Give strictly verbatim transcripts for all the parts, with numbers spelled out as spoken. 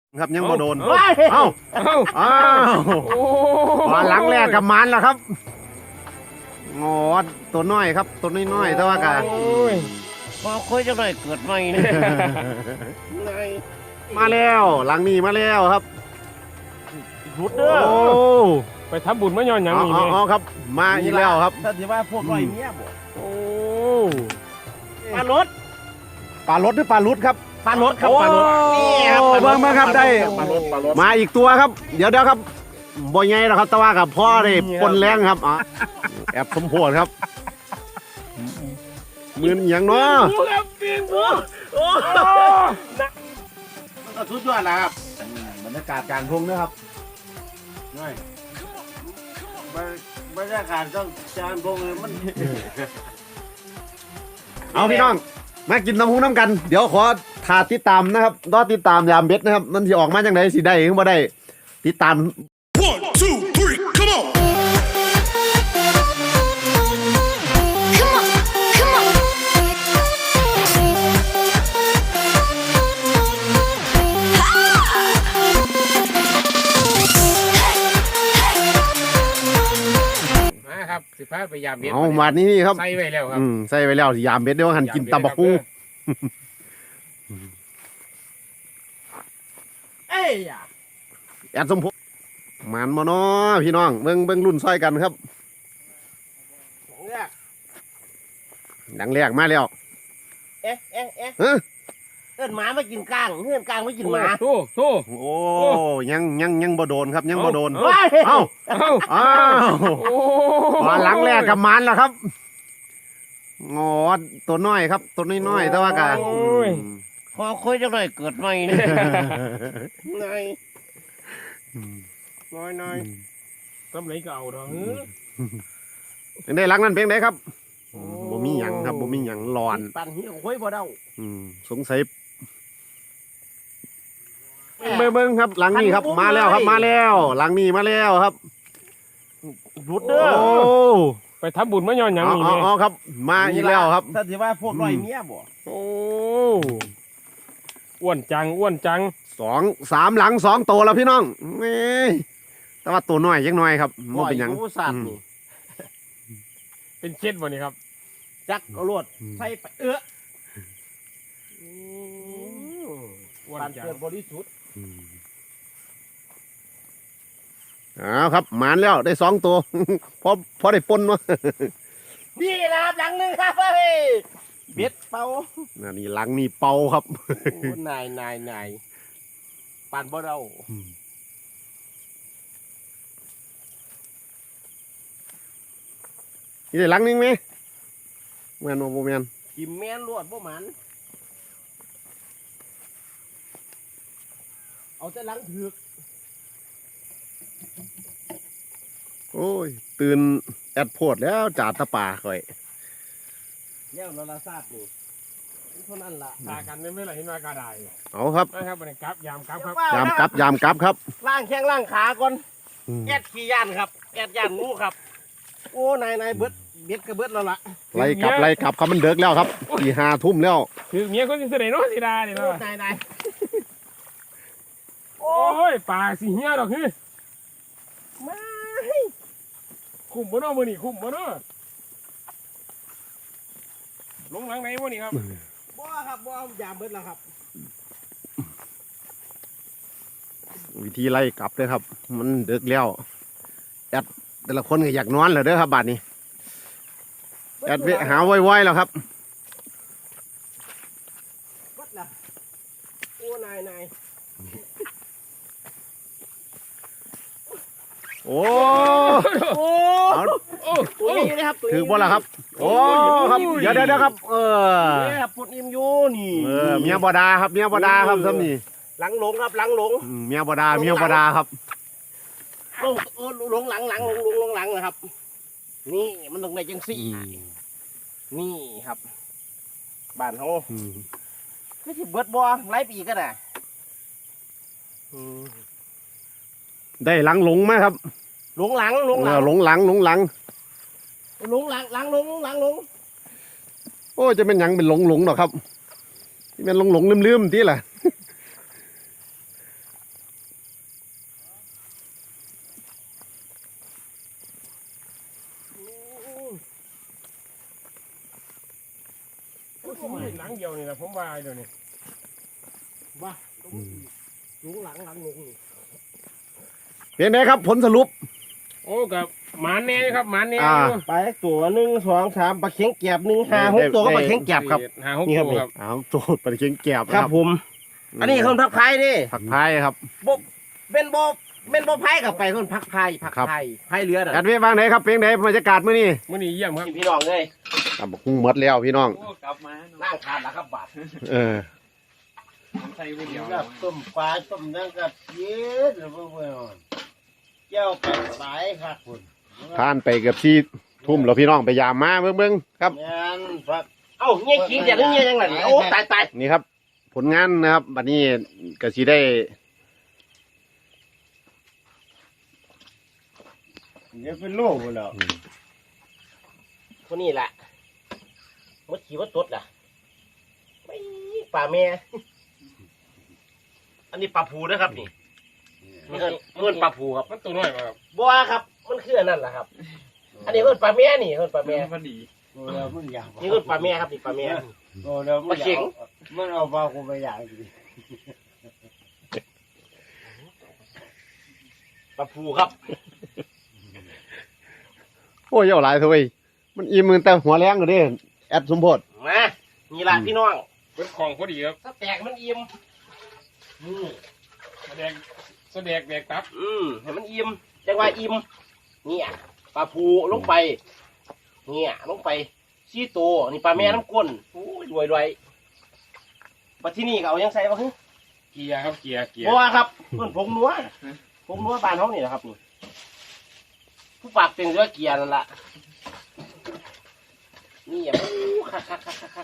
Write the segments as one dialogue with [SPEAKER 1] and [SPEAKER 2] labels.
[SPEAKER 1] ครับยังบ่โดน
[SPEAKER 2] เอ้า
[SPEAKER 1] เอ้า
[SPEAKER 2] เอ้า
[SPEAKER 1] อ้าว
[SPEAKER 2] โอ้
[SPEAKER 1] มาหลังแรกกับมันแล้วครับงอตัวน้อยครับตัวน้อยๆแต่ว่ากะ
[SPEAKER 2] โอ้ย
[SPEAKER 3] พอคุยจังเลยเกิดใหม่เนี่ยไง
[SPEAKER 1] มาแล้วหลังนี้มาแล้วครับ
[SPEAKER 3] รุดเด้อ
[SPEAKER 1] โอ้
[SPEAKER 2] ไปทำบุญมาย้อนหยัง
[SPEAKER 1] เอา
[SPEAKER 2] นี่
[SPEAKER 1] เอา
[SPEAKER 2] แม่
[SPEAKER 1] เอาครับ มาอีกแล้วครับ
[SPEAKER 3] ถ้าที่ว่าพวกร้อยเมียบ่
[SPEAKER 2] โอ้
[SPEAKER 3] ปลารถ
[SPEAKER 1] ปลารถหรือปลาลุดครับ
[SPEAKER 3] ปลารถครับ
[SPEAKER 1] โอ้
[SPEAKER 3] ปลารถนี่ครับ
[SPEAKER 1] เบิ่งมาครับได้
[SPEAKER 3] ปลารถปลารถ
[SPEAKER 1] มาอีกตัวครับ เดี๋ยวเดี๋ยวครับบ่ใหญ่หรอกครับแต่ว่ากับพ่อได้ปนแรงครับอ่ะแอบสมโพธิครับมือนอย่างเนาะ
[SPEAKER 2] ผู้ครับปีนผู้
[SPEAKER 3] ก็สุดยอดแล้วครับ
[SPEAKER 1] บรรยากาศกลางทุ่งนะครับ
[SPEAKER 3] บรรยากาศต้องจานพงเลยมัน
[SPEAKER 1] เอาพี่น้องมากินน้ำหูน้ำกัน เดี๋ยวขอถาติดตามนะครับรอติดตามยามเบ็ดนะครับมันสิออกมาจังไดสิได้หรือบ่ได้ติดตาม
[SPEAKER 4] One, two, three, come on!
[SPEAKER 5] Come on, come on.
[SPEAKER 2] มาครับสิพาไปยามเบ็ด
[SPEAKER 1] เอามานี่นี่ครับ
[SPEAKER 2] ใส่ไว้แล้วครับ
[SPEAKER 1] อืมใส่ไว้แล้วสิยามเบ็ดเดี๋ยวหันกินตำบักหุ่ง
[SPEAKER 3] เอ้ยอะ
[SPEAKER 1] แอดสมพงษ์มันมาเนาะพี่น้องเบิ่งเบิ่งรุ่นซอยกันครับ
[SPEAKER 3] เนี่ย
[SPEAKER 1] ดังแรกมาแล้ว
[SPEAKER 3] เอ๊ะเอ๊ะเอ๊ะ
[SPEAKER 1] ฮะ
[SPEAKER 3] เอิ้นหมามากินก้างเพื่อนก้างไม่กินหมา
[SPEAKER 2] โซ่โซ่
[SPEAKER 1] โอ้ยังยังยังบ่โดนครับยังบ่โดน
[SPEAKER 3] เฮ้ย
[SPEAKER 1] เอ้า
[SPEAKER 2] เอ้า
[SPEAKER 1] อ้าว
[SPEAKER 2] โอ้
[SPEAKER 1] มาหลังแรกกับมันแล้วครับงอตัวน้อยครับ ตัวน้อยๆแต่ว่ากะ
[SPEAKER 2] โอ้ย
[SPEAKER 3] พอคุยจังเลยเกิดใหม่เนี่ยไงน้อยน้อย
[SPEAKER 2] ทำไรก็เอาเถอะเฮ้ย
[SPEAKER 1] เป็นได้หลังนั้นเป็นไดครับบ่มีหยังครับบ่มีหยังร้อน
[SPEAKER 3] ปั่นหิ้วคุยบ่เด้า
[SPEAKER 1] อืมสงสัยเบิ่งเบิ่งครับหลังนี้ครับมาแล้วครับมาแล้วหลังนี้มาแล้วครับ
[SPEAKER 3] รุด
[SPEAKER 1] โอ้
[SPEAKER 3] เด้อ
[SPEAKER 2] ไปทำบุญมาย้อนหยัง
[SPEAKER 1] เอา
[SPEAKER 2] นี่
[SPEAKER 1] เอา
[SPEAKER 2] แม่
[SPEAKER 1] เอาครับ มาอีกแล้วครับ
[SPEAKER 3] ถ้าที่ว่าพวกร้อยเมียบ่
[SPEAKER 2] โอ้อ้วนจังอ้วนจัง
[SPEAKER 1] สองสามหลังสองตัวแล้วพี่น้องเอ้ยแต่ว่าตัวน้อยยังน้อยครับบ่เป็นหยัง
[SPEAKER 3] ร้อผู้สัตว์นี่
[SPEAKER 2] เป็นเช็ดบ่นี่ครับ
[SPEAKER 3] จักเอาลวดใส่ไปเอื้อ
[SPEAKER 2] อ้วน
[SPEAKER 3] ปั่น
[SPEAKER 2] จัง
[SPEAKER 3] เกิดบริสุทธิ์
[SPEAKER 1] เอาครับหมานแล้วได้สองตัว พอพอได้ปนวะ
[SPEAKER 3] นี่นะครับหลังหนึงครับเฮ้ยเบ็ดเป่า
[SPEAKER 1] นั่นนี่หลังนี่เป่าครับ
[SPEAKER 3] โอ้นายนายนายปั่นบ่เรา
[SPEAKER 1] นี่ได้หลังนึงไหมแม่นบ่บ่แม่น
[SPEAKER 3] กิมแม่นลวดบ่หมันเอาแต่หลังถือก
[SPEAKER 1] โอ้ยตื่นแอดโพดแล้วจ่าตะป่าข่อย
[SPEAKER 3] แล้วเราละทราบนี่เท่านั้นล่ะ
[SPEAKER 2] ตากันไม่ไม่ไรเห็นว่ากระได
[SPEAKER 1] เอาครับ
[SPEAKER 2] นะครับบรรยากาศยามครับครับ
[SPEAKER 1] ยามกลับยามกลับครับ
[SPEAKER 3] ล่างแข้งล่างขาก่อน
[SPEAKER 1] อืม
[SPEAKER 3] แอดขี้ย่านครับแอดย่านงูครับ โอ้นายนายเบิดเบ็ดก็เบิดแล้วล่ะ
[SPEAKER 1] ไล่กลับไล่กลับครับมันเดึกแล้วครับสี่ห้าทุ่มแล้ว
[SPEAKER 2] คือเมียคนที่เสด็จเนาะสิดาเนี่ย
[SPEAKER 3] โอ้
[SPEAKER 2] เนาะ
[SPEAKER 3] นายนาย
[SPEAKER 2] โอ้ยปลาสิเหี้ยดอกคือ
[SPEAKER 3] มา
[SPEAKER 2] คุ้มบ่เนาะมื้อนี้คุ้มบ่เนาะลงหลังไหนบ่นี่ครับ
[SPEAKER 3] บ่ครับบ่ยามเบิดแล้วครับ
[SPEAKER 1] วิธีไล่กลับเลยครับ มันเดึกแล้วแอดแต่ละคนก็อยากนอนแล้วเด้อครับบัดนี้แอดเวหาไว้ๆแล้วครับ
[SPEAKER 3] เบิดละโอ้นายนาย
[SPEAKER 1] โอ้
[SPEAKER 3] โอ้
[SPEAKER 1] เอา
[SPEAKER 2] โอ้
[SPEAKER 3] ตัว
[SPEAKER 2] โอ้
[SPEAKER 3] นี้นะครับตัว
[SPEAKER 1] ถื
[SPEAKER 3] นี้
[SPEAKER 1] อบ่ล่ะครับ โอ้ครับเดี๋ยวเดี๋ยวเดี๋ยวครับ เออ
[SPEAKER 3] เนี่ยครับปวดอิ่มอยู่นี่
[SPEAKER 1] เออเมียบดาครับเมียบดาครับซ้ำนี่
[SPEAKER 3] หลังหลงครับหลังหลง
[SPEAKER 1] อืมเมียบดาเมียบดาครับ
[SPEAKER 3] ลงเออลงหลังหลังลงลงลงหลังนะครับ นี่มันลงในจังสี่นี่ครับบ้านเขา
[SPEAKER 1] อืม
[SPEAKER 3] ไม่ใช่เบิดบัวไล่ปีกันน่ะ
[SPEAKER 1] ได้หลังหลงไหมครับ
[SPEAKER 3] ลงหลังลงห
[SPEAKER 1] เอ
[SPEAKER 3] ลั
[SPEAKER 1] อง หลงหลังหลงหลัง
[SPEAKER 3] ลงหลังหลังลงหลังลง
[SPEAKER 1] โอ้จะเป็นหยังเป็นหลงหลงหรอกครับที่เป็นหลงหลงลืมลืมๆที่แหละ
[SPEAKER 2] สิมีหลังเดียวนี่แหละผมว่าเดี๋ยวนี้
[SPEAKER 3] ว่าลุงหลังหลังลุงนี่
[SPEAKER 1] เป็นไงครับผลสรุป
[SPEAKER 2] โอ้กับหมาแน่ครับหมาแน่
[SPEAKER 1] อ่า
[SPEAKER 3] ปลาตัวหนึ่งสองสามปลาเข็งแกบหนึ่งห้าหกตัวก็ปลาเข็งแกบครับ
[SPEAKER 2] หาหก
[SPEAKER 3] นี่ครับ
[SPEAKER 2] ตัวครับ
[SPEAKER 1] อ้าวโจดปลาเค็งแกบ
[SPEAKER 3] ครับผม อันนี้คนพักพายดิ
[SPEAKER 1] ผักพายครับ
[SPEAKER 3] บเป็นโบเป็นโบพายกับไปคนพักพายพัก
[SPEAKER 1] ครับ
[SPEAKER 3] พายพายเรือน่ะ
[SPEAKER 1] แอดเวบ้างไหนครับเพลงไหนบรรยากาศมื้อนี้
[SPEAKER 2] มื้อนี้เยี่ยมครับ
[SPEAKER 3] พี่น้องเลย
[SPEAKER 1] อ่ะบอกคุ้งหมดแล้วพี่น้อง
[SPEAKER 3] นั่งทานแล้วครับบาท
[SPEAKER 1] เออ
[SPEAKER 3] กับต้มปลาต้มนั่งกับเย็ดหรือเปล่าเจ้าไปสายครับคุณ
[SPEAKER 1] ผ่านไปเกือบที่ทุ่มแล้วพี่น้องไปยามมาเบิ่งเบิ่งครับ
[SPEAKER 3] งานครับเอ้าเงี้ยขี้เดียดเงี้ยยังไงโอ้ตายตาย
[SPEAKER 1] นี่ครับ ผลงานนะครับบัดนี้ก็สิได้
[SPEAKER 3] เดี๋ยวเป็นโลกแล้วคนนี้แหละมดขี่มดตดล่ะไม่ป่าแม่อันนี้ปลาผูนะครับนี่มันเงินปลาผูครับ
[SPEAKER 2] มันตัวน้อยกว่าครับ
[SPEAKER 3] บัวครับ มันคืออันนั่นแหละครับ อันนี้เงินปลาแม่นี่เงินปลาแม่
[SPEAKER 2] พอดี
[SPEAKER 3] นี่เงินปลาแม่ครับนี่ปลาแม่
[SPEAKER 6] โอ้แล้ว
[SPEAKER 3] ปลาเข็ง
[SPEAKER 6] มันเอาปลาคูไปอย่างดี
[SPEAKER 3] ปลาผูครับ
[SPEAKER 1] โอ้ยเอาหลายเถอะเว้ยมันอิ่มมือแต่หัวแรงก็เด้แอดสมโพธิ
[SPEAKER 3] มานี่ล่ะพี่น้อง
[SPEAKER 2] เป็นของพอดีครับ
[SPEAKER 3] ถ้าแตกมันอิ่มอืม
[SPEAKER 2] แสดงแสดงแดกตับ
[SPEAKER 3] อืมให้มันอิ่มจังว่าอิ่มเนี่ยปลาผูลงไป เนี่ยลงไปซี่โตวนี่ปลาแม่น้ำก้นโอ้ยรวยรวยปัจที่นี่ก็เอายังใส่ปะฮึ
[SPEAKER 2] เกียร์ครับเกียร์เกียร์
[SPEAKER 3] เพราะว่าครับเพื่อนผงนัวผงนัวบ้านเขานี่แหละครับนี่ผู้ปากเป็นเรือเกียร์นั่นละนี่อย่าคักคักคักคักคัก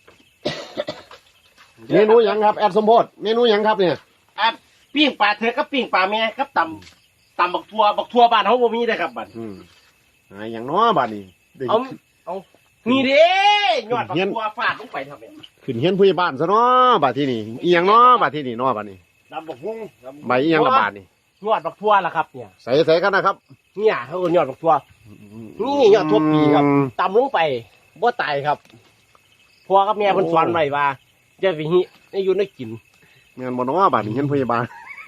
[SPEAKER 1] เมนูหยังครับแอดสมโพธิเมนูหยังครับเนี่ย
[SPEAKER 3] อ่ะปิ้งปลาเธอกับปิ้งปลาแม่กับตำตำบักทัวบักทัวบ้านเขาบ่มีได้ครับบัด
[SPEAKER 1] อืมอ่าอย่างน้อบัดนี้ได้
[SPEAKER 3] เอาเอานี่เด้ยอดบัก
[SPEAKER 1] เฮียน
[SPEAKER 3] ทัวฟาดลงไปทำไม
[SPEAKER 1] ขึ้นเฮียนผู้ใหญ่บ้านซะเนาะบัดที่นี่อีหยังเนาะบัดที่นี่เนาะบัดนี้
[SPEAKER 6] ดำบกหุ้ง
[SPEAKER 1] ใบอีหยังละบาดนี่
[SPEAKER 3] ยอดบักทัวล่ะครับเนี่ย
[SPEAKER 1] ใส่ใส่กันนะครับ
[SPEAKER 3] เนี่ยเขาเอิ้นยอดบักทัว นี่ยอดทั่วปีครับ ตำลงไปบ่ตายครับพ่อกับแม่เพิ่นสอนไว้ว่าจะวิหิให้อยู่ในกิน
[SPEAKER 1] งานบ่เนาะบัดนี้เฮียนผู้ใหญ่บ้าน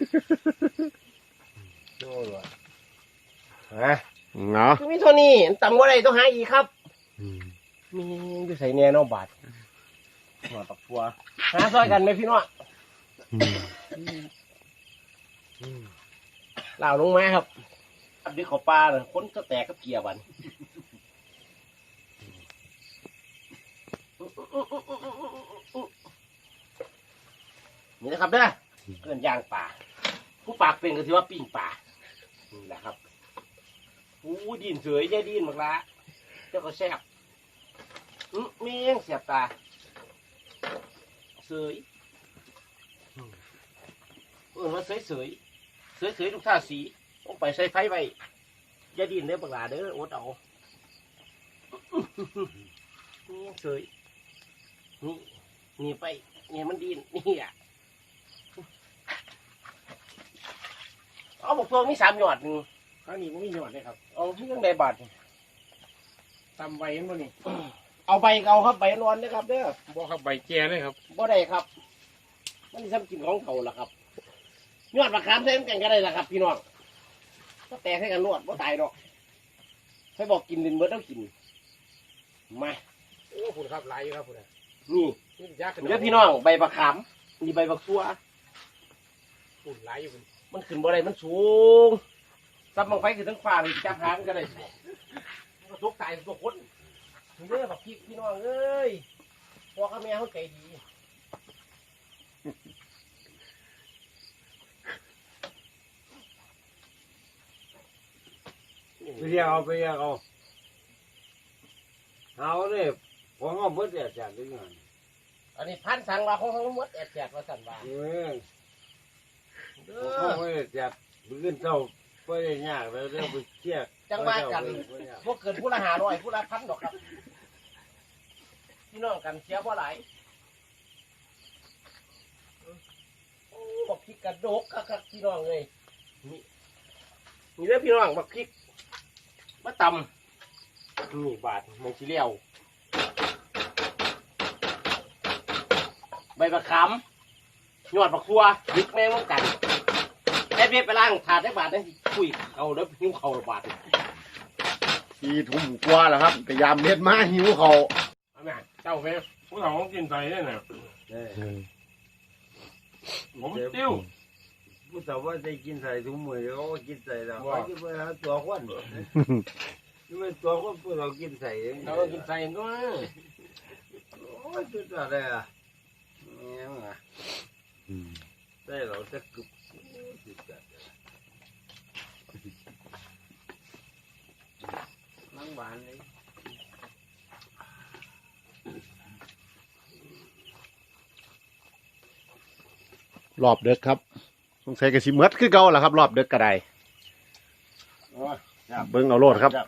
[SPEAKER 3] ฮะ
[SPEAKER 1] เนาะ
[SPEAKER 3] มีเท่านี้ตำบ่ได้ต้องหาอีกครับ มีอยู่ใส่แน่เนอบาทหัวปักทัวหาซอยกันไหมพี่น้องเหล่าลงมาครับอันนี้ขอปลาเลยคนก็แตกกับเกียร์บันนี่นะครับเด้อเกินย่างป่าผู้ปากเป็นก็ถือว่าปิ้งป่านี่แหละครับอู้ดินเสยใจดินมากละเจ้าก็แซ่บอื้อเมียงเสียบตาเสยเออว่าเสยเสยเสยเสยทุกท่าสีต้องไปใส่ไฟไว้ใจดินเด้อบักหลาเด้ออดเอาเมียงเสยนี่นี่ไปนี่มันดินนี่อ่ะเอาบอกตัวมีสามหยอดหนึ่ง
[SPEAKER 2] ข้างนี้มันมีหยอดเลยครับ
[SPEAKER 3] เอาที่ยังได้บาท
[SPEAKER 2] ตำใบเห็นบ่นี่
[SPEAKER 3] เอาใบเอาครับใบนอนนะครับเด้อ
[SPEAKER 2] บ่ครับใบแก่เลยครับ
[SPEAKER 3] บ่ได้ครับ มันทำกินของเขาล่ะครับยอดมะขามใส่น้ำแกงก็ได้ล่ะครับ พี่น้องก็แตกให้กันรวดบ่ตายดอกให้บอกกินดินเบิดต้องกินมา
[SPEAKER 2] โอ้คุณครับหลายอยู่ครับคุณน่ะ
[SPEAKER 3] นี่
[SPEAKER 2] นี่ยากขึ้น
[SPEAKER 3] เดี๋ยวพี่น้องใบมะขามนี่ใบบักซัว
[SPEAKER 2] คุณหลายอยู่คุณ
[SPEAKER 3] มันขึ้นบ่ได้มันสูงซับมังไฟขึ้นทั้งฟ้าเลยจับหางก็ได้มันก็ทุกตายทุกคนนี่เด้อบักพี่พี่น้องเอ้ยพ่อกับแม่เขาใจดี
[SPEAKER 6] ไปเรียกเอาไปเรียกเอาเอาเนี่ยผมเอาเบิดแต่จากนี้ไง
[SPEAKER 3] อันนี้พันสั่งว่าของทั้งหมดแอดแจกว่าสั่นว่า
[SPEAKER 6] เออ
[SPEAKER 3] เด้
[SPEAKER 6] ผม
[SPEAKER 3] อ
[SPEAKER 6] เอาไว้จากมื้อเช้าไปได้ยากแล้วเดี๋ยวไปเที่ยว
[SPEAKER 3] จังว่ากันพวกเกินผู้ละหาร้อยผู้ละพันดอกครับพี่น้องกันเสียบ่หลายโอ้บักพริกกระดกคักๆพี่น้องเลยนี่นี่เด้อพี่น้องบักพริกมาตำนี่บาทมองสีเหลียวใบมะขามหยอดผักทัวยึกแม่งเหมือนกันแค่เบี้ยไปล่างถาดได้บาทนั่นคุยเอาแล้วหิ้วเข่าบาท
[SPEAKER 1] สี่ทุ่มกว่าแล้วครับแต่ยามเม็ดมาหิวเขา
[SPEAKER 2] เอาแม่เจ้าแม่ผู้เฒ่าของกินใส่เนี่ยนะ
[SPEAKER 6] เออ
[SPEAKER 2] ผมติ้ว
[SPEAKER 6] ผู้สาวว่าได้กินใส่ถุงมือเขาก็กินใส่แล้วเขาจะไปหาตัวคนนี่มันตัวคนพวกเรากินใส่เอง
[SPEAKER 2] เราก็กินใส่ก็
[SPEAKER 6] โอ้ยจุดอะไรอ่ะเนี่ยมั้งอ่ะใส่เราจะกึบจุดอะไรนั่งบ้านเลย
[SPEAKER 1] รอบเด็กครับสงสัยกระสิเมดคือเก่าแหละครับ รอบเด็กกระได
[SPEAKER 6] โอ้ยจับ
[SPEAKER 1] เบิ้งเอาโลดครับ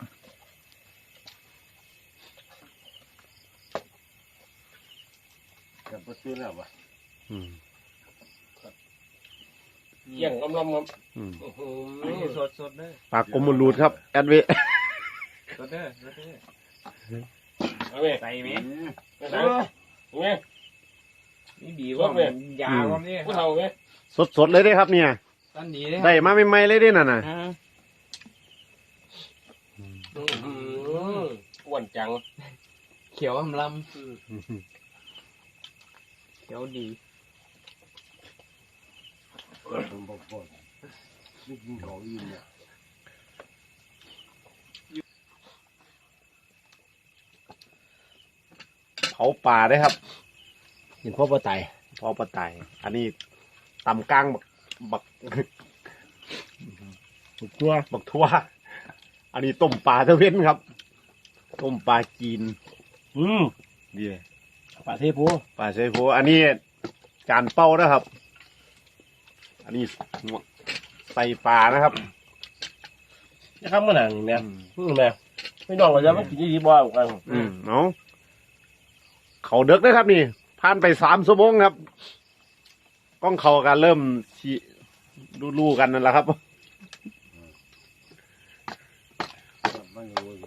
[SPEAKER 6] จับประตูแล้ววะ
[SPEAKER 1] อืม
[SPEAKER 2] เยี่ยงลำๆครับ
[SPEAKER 1] อืม
[SPEAKER 2] อื้อหื
[SPEAKER 6] นี่
[SPEAKER 2] อ
[SPEAKER 6] สดสดๆเลย
[SPEAKER 1] ปากกลมมรูดครับแอดเว
[SPEAKER 6] สดเด้อสดเด้อ
[SPEAKER 2] เอาแม่
[SPEAKER 6] ใส่ไหม
[SPEAKER 2] ไม่ใส่เอาแม่
[SPEAKER 6] นี่ดีกว่ามันยาวกว่านี้
[SPEAKER 2] ผู้เฒ่าแม่
[SPEAKER 1] สดๆเลยเด้ครับเนี่ย
[SPEAKER 6] ตอนนี้เลย
[SPEAKER 1] ได้มาใหม่ๆเลยเด้น่ะน่ะ
[SPEAKER 2] อื้อหืออ้วนจัง
[SPEAKER 6] เขียวอำลำเขียวดีผมบอกก่อนไม่กินของอิ่มเนี่ย
[SPEAKER 1] เผาป่าได้ครับเห็นพ่อปลาไตพ่อปลาไตอันนี้ตำกลางบักบัก บักทั่วบักทั่วอันนี้ต้มปลาตะเวนครับ ต้มปลาจีน
[SPEAKER 2] อืม
[SPEAKER 1] ดี
[SPEAKER 2] ปลาเทพู
[SPEAKER 1] ปลาเชฟโฟอันนี้จานเป้านะครับ อันนี้ใส่ปลานะครับ
[SPEAKER 2] นะครับมันหนังแม่อืมแม่ไม่น้องว่าจะมากินยี่ดีบ่าวกัน
[SPEAKER 1] อืมเนาะเขาเด็กนะครับนี่ผ่านไปสามชั่วโมงครับกล้องเขากันเริ่มชีลู่ๆกันนั่นแหละครับ
[SPEAKER 6] มันรู้เลย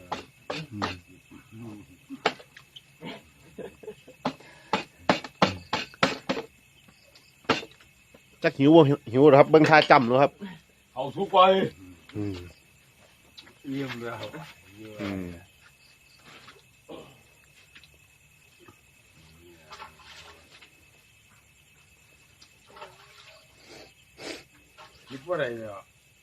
[SPEAKER 1] จักหิวบ่หิวเหรอครับเบิ้งท่าจำเนาะครับ
[SPEAKER 2] เอาทุกไป
[SPEAKER 1] อืม
[SPEAKER 6] เยี่ยมแล้ว
[SPEAKER 1] อืม
[SPEAKER 6] คิดว่าอะไรเนี่ย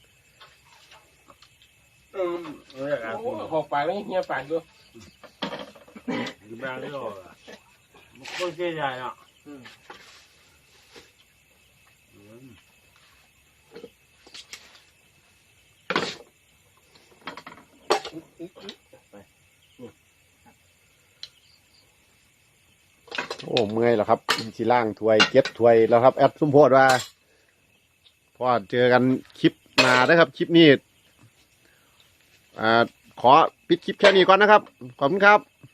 [SPEAKER 6] เออเออครับ
[SPEAKER 2] โอ้ขอกปากแล้วเฮียปากด้วย
[SPEAKER 6] อยู่บ้านนี่หรอมันก็เสียใจอ่ะ
[SPEAKER 1] โอ้เมื่อยแล้วครับสิล่างถ้วยเก็บถ้วยแล้วครับแอดสมโพธว่าพอเจอกันคลิปหน้านะครับคลิปนี้อ่าขอปิดคลิปแค่นี้ก่อนนะครับขอบคุณครับ